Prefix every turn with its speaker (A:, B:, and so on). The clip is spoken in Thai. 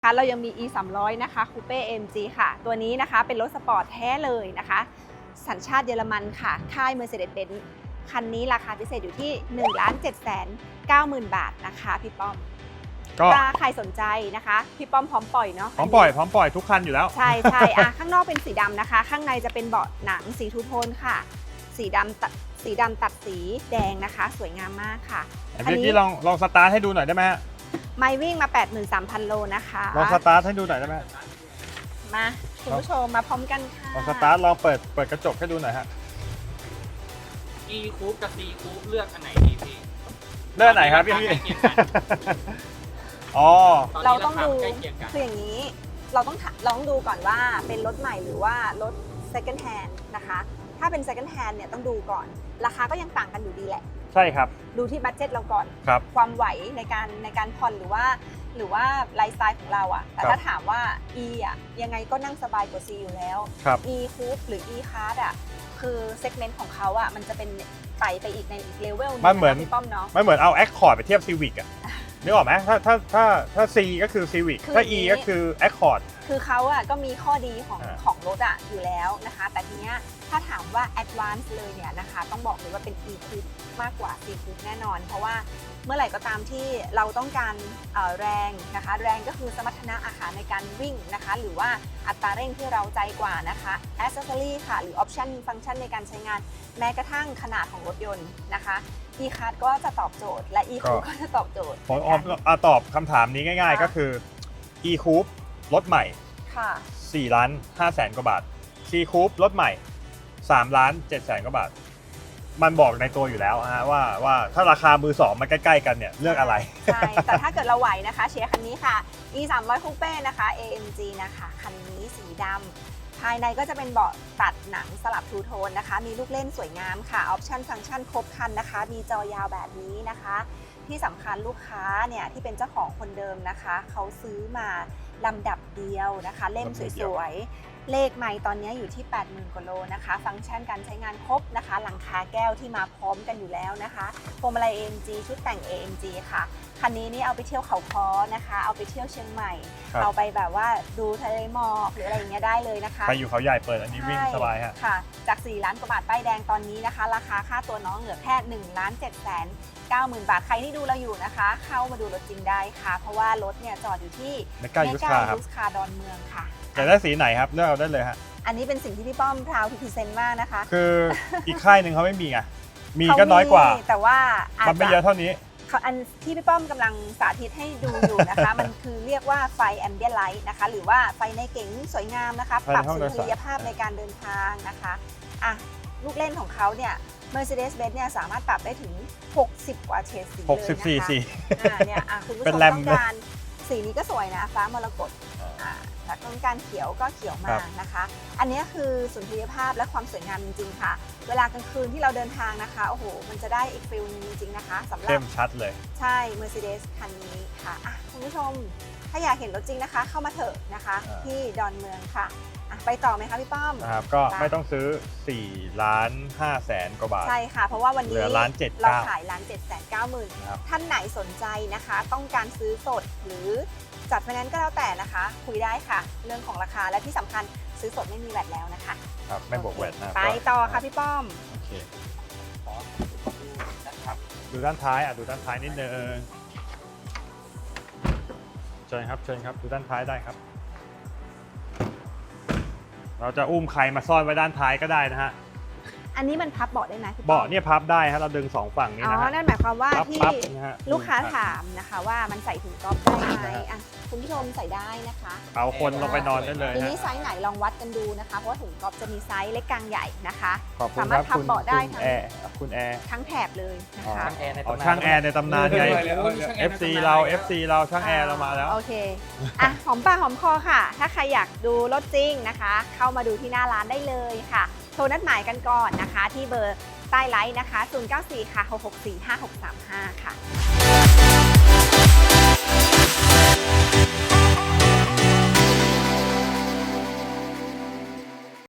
A: เรายังมี E300 นะคะคูเป้ AMG ค่ะตัวนี้นะคะเป็นรถสปอร์ตแท้เลยนะคะสัญชาติเยอรมันค่ะค่าย Mercedes-Benz คันนี้ราคาพิเศษอยู่ที่ 1,790,000 บาทนะคะพี่ป้อมถ้าใครสนใจนะคะพี่ป้อมพร้อมปล่อยเนาะ
B: พร้อมปล่อยทุกคันอยู่แล้ว
A: ใช่ข้างนอกเป็นสีดำนะคะข้างในจะเป็นเบาะหนังสีทูโทนค่ะสีดำตัดสีแดงนะคะสวยงามมากค่ะ
B: อันนี้ลองสตาร์ทให้ดูหน่อยได้ไหมฮะ
A: ไมล์วิ่งมา 83,000 โลนะคะ
B: ลองสตาร์ทให้ดูหน่อยได้ไหม
A: มาคุณผู้ชมมาพร้อมกันค่ะ
B: ลองสตาร์ทลองเปิดกระจกให้ดูหน่อยฮะ
C: E Coupe กับ C Coupe เลือกอันไหนดีพี่
B: เลือกไหนครับพี่อ๋อ
A: เราต้องดูคืออย่างนี้เราต้องดูก่อนว่าเป็นรถใหม่หรือว่ารถ second hand นะคะถ้าเป็น second hand เนี่ยต้องดูก่อนราคาก็ยังต่างกันอยู่ดีแหละ
B: ใช่ครับ
A: ดูที่บัดเจ็ตเราก่อนความไหวในการผ่อนหรือว่าไลฟ์สไตล์ของเราอะแต่ถ้าถามว่า E อะยังไงก็นั่งสบายกว่า C อยู่แล้ว E Coupe หรือ E Class อะคือเซกเมนต์ของเขาอะมันจะเป็นไต่ไปอีกในอีกเลเวลนึง
B: มันเหมือน
A: พี่ป้อมเนาะ
B: มันเหมือนเอา Accord ไปเทียบ Civic อะนึกออกไหมถ้า C ก็คือ Civic ถ้า E ก็คือ Accord
A: คือเขาอะก็มีข้อดีของรถอะอยู่แล้วนะคะแต่ทีเนี้ยถ้าถามว่า Advance เลยเนี่ยนะคะต้องบอกเลยว่าเป็น E Coupe มากกว่า C Coupe แน่นอนเพราะว่าเมื่อไหร่ก็ตามที่เราต้องการแรงนะคะแรงก็คือสมรรถนะอาหารในการวิ่งนะคะหรือว่าอัตราเร่งที่เราใจกว่านะคะ Accessory ค่ะหรือ Option ฟังก์ชันในการใช้งานแม้กระทั่งขนาดของรถยนต์นะคะ E Class ก็จะตอบโจทย์และ E Coupe ก็จะตอบโจทย์
B: ผมตอบคำถามนี้ง่ายๆก็คือ E Coupe รถใหม่4,500,000 กว่าบาท C Coupe รถใหม่3,700,000 กว่าบาทมันบอกในตัวอยู่แล้วฮะว่าถ้าราคามือสองมันใกล้ๆกันเนี่ยเลือกอะไร
A: ใช่แต่ถ้าเกิดเราไหวนะคะเชียร์คันนี้ค่ะ E300 Coupe นะคะ AMG นะคะคันนี้สีดำภายในก็จะเป็นเบาะตัดหนังสลับทูโทนนะคะมีลูกเล่นสวยงามค่ะออปชั่นฟังก์ชันครบครันนะคะมีจอยาวแบบนี้นะคะที่สำคัญลูกค้าเนี่ยที่เป็นเจ้าของคนเดิมนะคะเขาซื้อมาลำดับเดียวนะคะเล่มสวยๆเลขไมล์ตอนนี้อยู่ที่ 80,000 กว่าโลนะคะฟังก์ชันการใช้งานครบนะคะหลังคาแก้วที่มาพร้อมกันอยู่แล้วนะคะพวงมาลัย AMG ชุดแต่ง AMG ค่ะคันนี้นี่เอาไปเที่ยวเขาค้อนะคะเอาไปเที่ยวเชียงใหม่เอาไปแบบว่าดูทะเลหมอกหรืออะไรอย่างเงี้ยได้เลยนะคะ
B: ไปอยู่เขาใหญ่เปิดอันนี้วิ่งสบายฮะ
A: ค่ะจาก4 ล้านกว่าบาทป้ายแดงตอนนี้นะคะราคาค่าตัวน้องเหลือแค่1,790,000 บาทใครที่ดูเราอยู่นะคะเข้ามาดูรถจริงได้ค่ะเพราะว่ารถเนี่ยจอดอยู่ที่
B: เมกายูส
A: คาร์ดอนเมืองค่ะ
B: จะได้สีไหนครับเลือกเอาได้เลยฮะ
A: อันนี้เป็นสิ่งที่พี่ป้อมพราวพิเศษมากนะคะ
B: คืออีกค่ายหนึ่งเขาไม่มีไงมีก็น้อยกว่า
A: แต่ว่า
B: มันไม่เยอะเท่านี้
A: อันที่พี่ป้อมกำลังสาธิตให้ดูอยู่นะคะมันคือเรียกว่าไฟแอมเบียนไลท์นะคะหรือว่าไฟในเก๋งสวยงามนะคะปรับสุนทรียภาพในการเดินทางนะคะลูกเล่นของเขาเนี่ย Mercedes-Benz เนี่ยสามารถปรับได้ถึง60กว่าเฉดสีเลยนะคะ
B: 64สี
A: เนี่ยคุณผู้ชมต้องการสีนี้ก็สวยนะฟ้ามรกตแต่ต้องการเขียวก็เขียวมากนะคะอันนี้คือสุนทรียภาพและความสวยงามจริงๆค่ะเวลากลางคืนที่เราเดินทางนะคะโอ้โหมันจะได้อีกฟิลนึงจริงๆนะคะสำหรับ
B: เข้มชัดเลย
A: ใช่ Mercedes คันนี้ค่ะคุณผู้ชมถ้าอยากเห็นรถจริงนะคะเข้ามาเถอะนะคะที่ดอนเมืองค่ะไปต่อไหมคะพี่ป้อม
B: ครับก็ไม่ต้องซื้อ4,500,000 กว่าบาท
A: ใช่ค่ะเพราะว่าวันนี้
B: 1,790,000
A: เราขาย1,790,000ท่านไหนสนใจนะคะต้องการซื้อสดหรือจัดไฟแนนซ์ก็แล้วแต่นะคะคุยได้ค่ะเรื่องของราคาและที่สำคัญซื้อสดไม่มีแวตแล้วนะคะ
B: ครับไม่บวกแวตนะ
A: ไปต่อค่ะพี่ป้อม
B: โอเคดูด้านท้ายดูด้านท้ายนิดนึงเชิญครับดูด้านท้ายได้ครับเราจะอุ้มใครมาซ่อนไว้ด้านท้ายก็ได้นะฮะ
A: อันนี้มันพับเบาะได้ไหม
B: เบาะเนี่ยพับได้ฮะเราดึง2ฝั่งนี้นะฮะ
A: นั่นหมายความว่าที่ลูกค้าถามนะคะว่ามันใส่ถุงก๊อฟได้ไหมคุณผู้ชมใส่ได้นะคะ
B: เอาคนลงไปนอนได้เลย
A: ทีนี้ไซส์ไหนลองวัดกันดูนะคะเพราะถุงก๊อฟจะมีไซส์เล็กกลางใหญ่นะคะ
B: สามารถ
A: พับเบาะได้ทั้ง
B: ทั้
A: งแถบเลยนะคะ
B: ช่างแอร์ในตำนานไง FC เราช่างแอร์เรามาแล้ว
A: โอเคหอมปากหอมคอค่ะถ้าใครอยากดูรถจริงนะคะเข้ามาดูที่หน้าร้านได้เลยค่ะโทรนัดหมายกันก่อนนะคะที่เบอร์ใต้ไลน์นะคะ094 ค่ะ 664 5635 ค่ะ